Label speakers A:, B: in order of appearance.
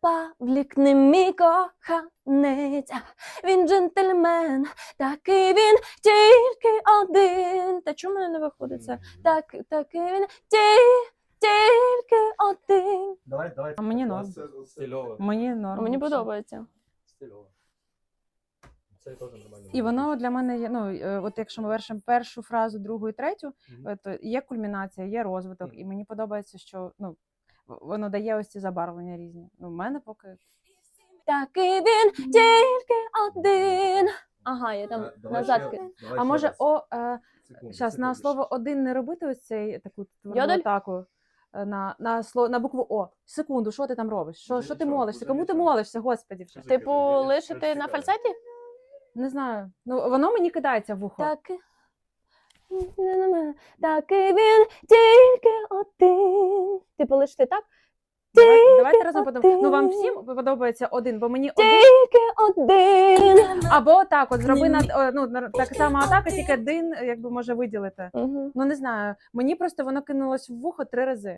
A: Павлік не мій коханець, він джентльмен, такий він тільки один. Та чому мене не виходить це? Такий він тільки один.
B: Давай.
C: А мені норм.
B: Стильово.
C: Мені норм.
A: Мені
C: вообще.
A: подобається.
B: Стильово. Це теж нормально.
C: І воно для мене є, ну, от якщо ми вершимо першу фразу, другу і третю, то є кульмінація, є розвиток, і мені подобається, що ну, воно дає ось ці забарвлення різні. Ну, в мене поки...
A: Такий він тільки один. Ага, я там назад.
C: А може, зараз на слово «один» не робити ось цей таку тверду
A: Йодель?
C: атаку на букву О. Секунду, що ти там робиш? Що ти молишся? Кому ти молишся, господі вже?
A: Типу, лишити на фальцеті?
C: Не знаю. Ну, воно мені кидається в ухо.
A: Такий він тільки один. Типу, лишити так?
C: Давайте разом подумаємо. Ну, вам всім подобається один, бо мені один.
A: Тільки один.
C: Або так, от зроби так само атака, тільки один, якби може виділити.
A: Угу.
C: Ну, не знаю. Мені просто воно кинулось в вухо 3 рази.